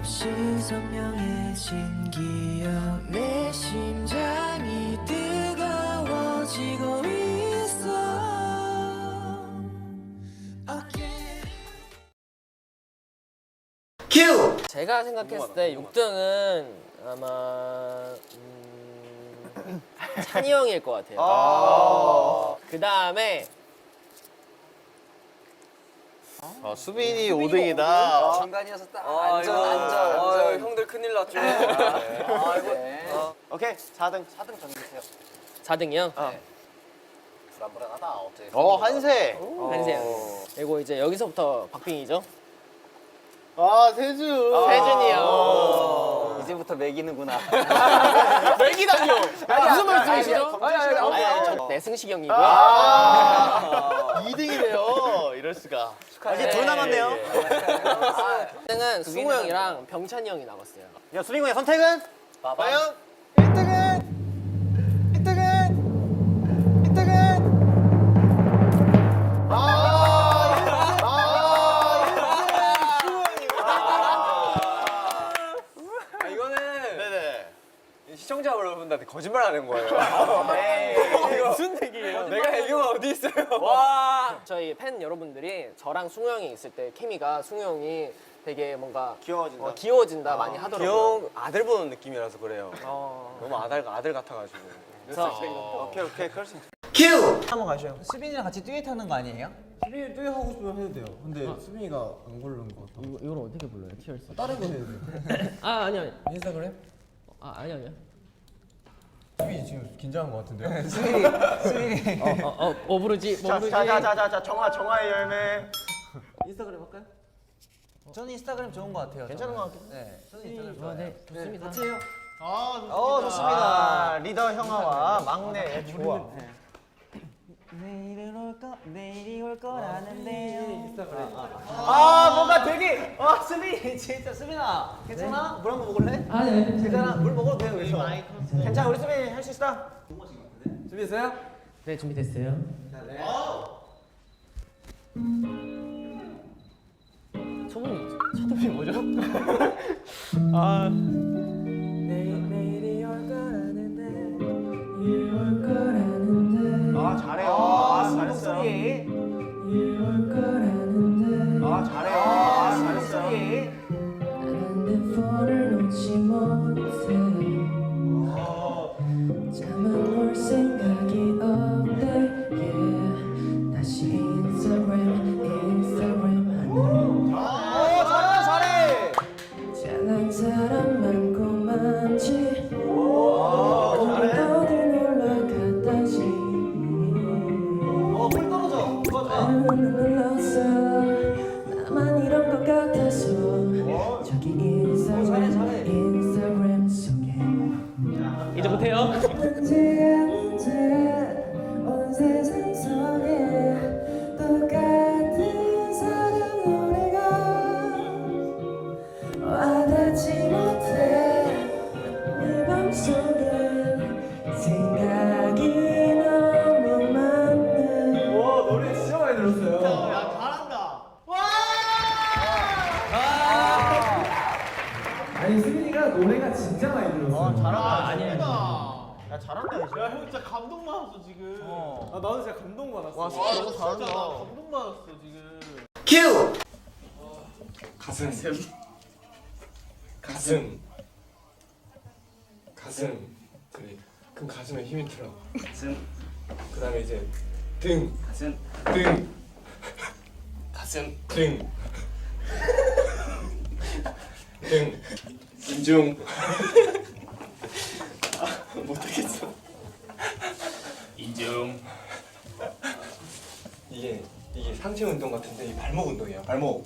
없이 선명해진 기억 내 심장이 뜨거워지고 있어 큐! 제가 생각했을 때 6등은 아마 찬이 형일 것 같아요. 그 다음에 수빈이 4등이다. 중간이어서 딱 안전. 형들 큰일 났죠. 오케이, 4등 정해주세요. 4등이요? 불안불안하다. 어떻게? 한세. 한세요. 그리고 이제 여기서부터 박빙이죠. 세준. 세준이 형. 이제부터 매기는구나. 맥이다뇨. 무슨 말씀이시죠? 네, 승식이 형이고요. 2등이래요. 이럴 수가. 이제 둘 남았네요. 1등은 승우 형이랑 병찬이 형이 남았어요. 야, 수빈군의 선택은? 과연 1등은 1등은 이거는 네네. 시청자 여러분들한테 거짓말하는 거예요. 이거 무슨 얘기예요? 내가 애교가 어디 있어요? 와. 저희 팬 여러분들이 저랑 승우 형이 있을 때 케미가 승우 형이 되게 뭔가 귀여워진다. 귀여워진다 많이 하더라고요. 귀여운 아들 보는 느낌이라서 그래요. 어. 너무 아들 같아가지고. 오케이, 그럴 수 있어. 수빈이랑 같이 듀엣 하는 거 아니에요? 수빈이 듀엣 하고 싶으면 해도 돼요. 근데 수빈이가 안 고르는 거 같아. 이걸 어떻게 불러요? 티얼스. 다른 거 해도 돼. 아니요. 인스타그램? 아니요. 수빈이 지금 긴장한 거 같은데요? 수빈이. 뭐 부르지? 자, 정화의 열매. 인스타그램 할까요? 저는 인스타그램 좋은 거 같아요. 괜찮은 것 같긴 네, 저는 인스타그램 좋아요. 네, 좋습니다. 같이 해요. 좋습니다. 리더 형아와 막내 조아. 내일이 올 거라는데요. 인스타그램. 뭔가 되게 수빈이 진짜 수빈아 괜찮아? 물 한 번 먹을래? 네. 괜찮아? 물 먹어도 돼요 그래서. 괜찮아, 우리 수빈이 할 수 있어. 준비됐어요? 네, 준비됐어요. 초등이 뭐죠? 내일이 올 거라는데 올 거라는데 잘해요. 잘했어요. 올 거라는데 잘해요. 난 내 폰을 놓지 못해 잠은 올 생각이 없대 yeah. 다시 인스타그램 하네 잘난 사람 많고 많지 어딜 놀러 갔다지 물 떨어져. 나는 눌렀어 나만 이런 것 같아서 저기 인스타그램 속에 이제 못해요. 언제 온 세상 속에 똑같은 사랑 노래가 와닿지 못해 내 맘속에 생각이 너무 많네 노래 진짜 많이 들었어요. 아니 수빈이가 노래가 진짜 많이 들었어. 야, 잘한다, 이제. 야, 형 진짜 감동받았어 지금. 나도 진짜 감동받았어. 와, 진짜 너무 잘한다. 진짜 나 감동받았어 지금. 큐! 가슴 그럼 가슴에 힘이 들어. 그 다음에 이제 등 인중 못하겠어. 인중. 이게 상체 운동 같은데 이 발목 운동이야. 발목.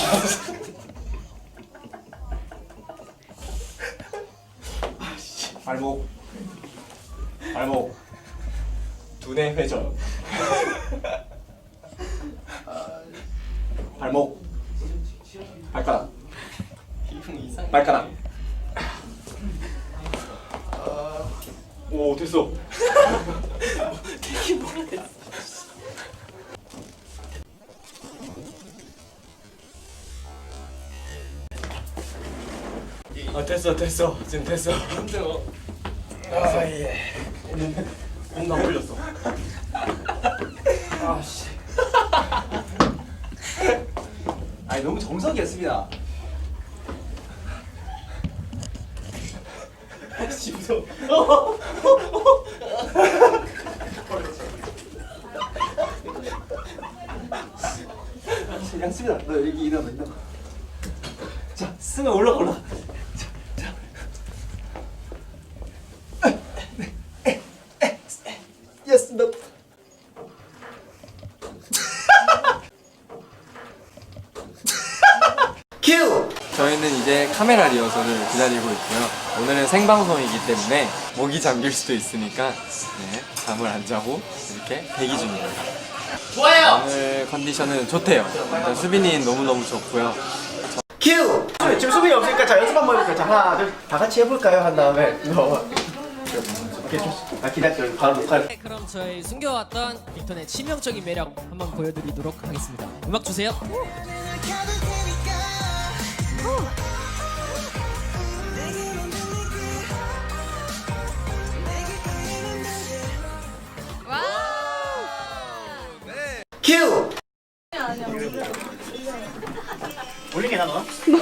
발목. 두뇌 회전. 발목. 발가락. 오, 됐어. 됐어 지금 됐어. 힘들어. 예. 몸다 풀렸어. 아씨. 아니 너무 정석이었습니다. 아씨 무서워. 야 수빈아 너 여기 일어나. 자 승아 올라가. 예스 너. 큐. 저희는 이제 카메라 리허설을 기다리고 있고요. 오늘은 생방송이기 때문에 목이 잠길 수도 있으니까 잠을 안 자고 이렇게 대기 중입니다. 좋아요. 오늘 컨디션은 좋대요. 일단 수빈이는 너무너무 좋고요. 큐. 지금 수빈이 없으니까 자 연습 한번 해볼까요? 자 하나 둘 다 같이 해볼까요? 한 다음에 너. 오케이 기다려 바로 녹화. 네, 그럼 저희 숨겨왔던 빅톤의 치명적인 매력 한번 보여드리도록 하겠습니다. 음악 주세요. 큐. 올리게 나 너.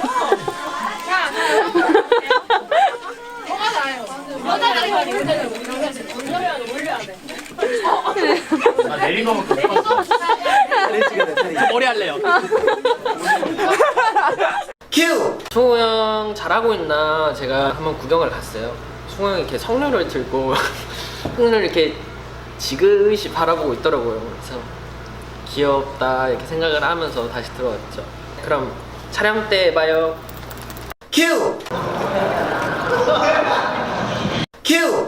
아 내린 거면 머리 할래요. 큐. 승우 형 잘하고 있나 제가 한번 구경을 갔어요. 승우 형이 이렇게 성녀를 들고 손을 이렇게 지그시 바라보고 있더라고요. 그래서 귀엽다 이렇게 생각을 하면서 다시 들어왔죠. 그럼 촬영 때 봐요. 큐. 큐.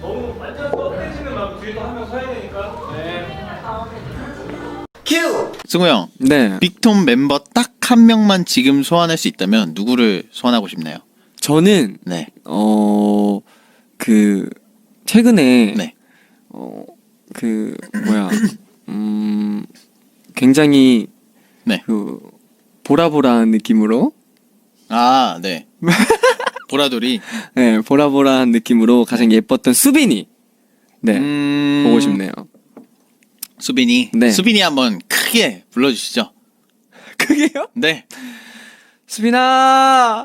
큐. 승우 형, 네, 빅톤 멤버 딱 한 명만 지금 소환할 수 있다면 누구를 소환하고 싶나요? 저는 네. 그 최근에 네. 그 뭐야 굉장히 네. 그 보라보라한 느낌으로 아, 네. 보라돌이. 네, 보라보라한 느낌으로 가장 예뻤던 수빈이 보고 싶네요. 수빈이. 네. 수빈이 한번 크게 불러주시죠. 그게요? 네. 수빈아.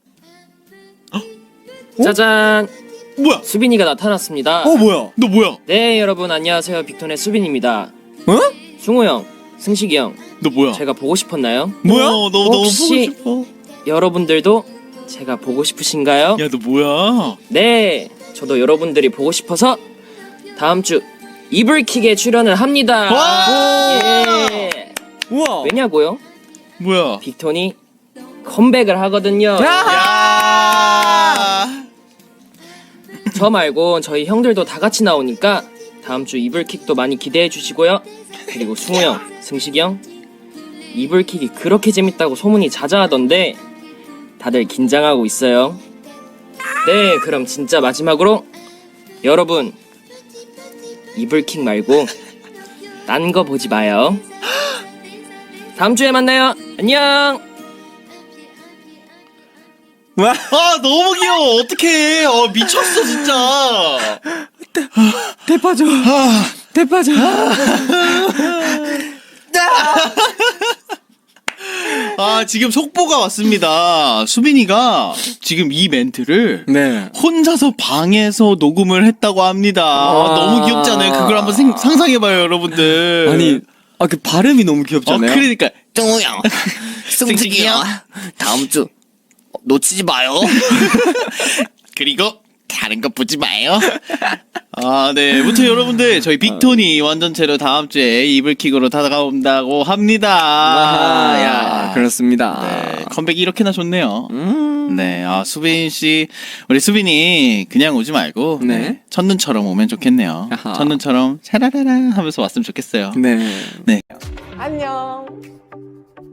짜잔. 뭐야? 수빈이가 나타났습니다. 뭐야? 너 뭐야? 네 여러분 안녕하세요. 빅톤의 수빈입니다. 어? 승우 형, 승식이 형, 너 뭐야? 제가 보고 싶었나요? 뭐야? 너 너무 보고 혹시- 싶어. 여러분들도 제가 보고 싶으신가요? 야, 너 뭐야? 네, 저도 여러분들이 보고 싶어서 다음 주 이불킥에 출연을 합니다. 와! 예. 우와. 왜냐고요? 뭐야? 빅톤이 컴백을 하거든요. 야! 저 말고 저희 형들도 다 같이 나오니까 다음 주 이불킥도 많이 기대해 주시고요. 그리고 승우 형, 승식이 형, 이불킥이 그렇게 재밌다고 소문이 자자하던데 다들 긴장하고 있어요. 네, 그럼 진짜 마지막으로 여러분 이불킥 말고 딴 거 보지 마요. 다음 주에 만나요. 안녕. 아, 너무 귀여워. 어떡해. 미쳤어, 진짜. 대파죠. 대파죠. 아, 지금 속보가 왔습니다. 수빈이가 지금 이 멘트를 네. 혼자서 방에서 녹음을 했다고 합니다. 너무 귀엽지 않아요? 그걸 한번 상상해봐요, 여러분들. 아니, 그 발음이 너무 귀엽잖아요. 그러니까. 정우 형, 승식이 형, 다음 주 놓치지 마요. 그리고 다른 거 보지 마요. 아, 네. 무튼 여러분들, 저희 빅톤이 완전체로 다음 주에 이불킥으로 다가온다고 합니다. 야, 그렇습니다. 네, 컴백이 이렇게나 좋네요. 네, 수빈 씨, 우리 수빈이 그냥 오지 말고 네. 네, 첫눈처럼 오면 좋겠네요. 아하. 첫눈처럼 샤라라라 하면서 왔으면 좋겠어요. 네. 네. 안녕.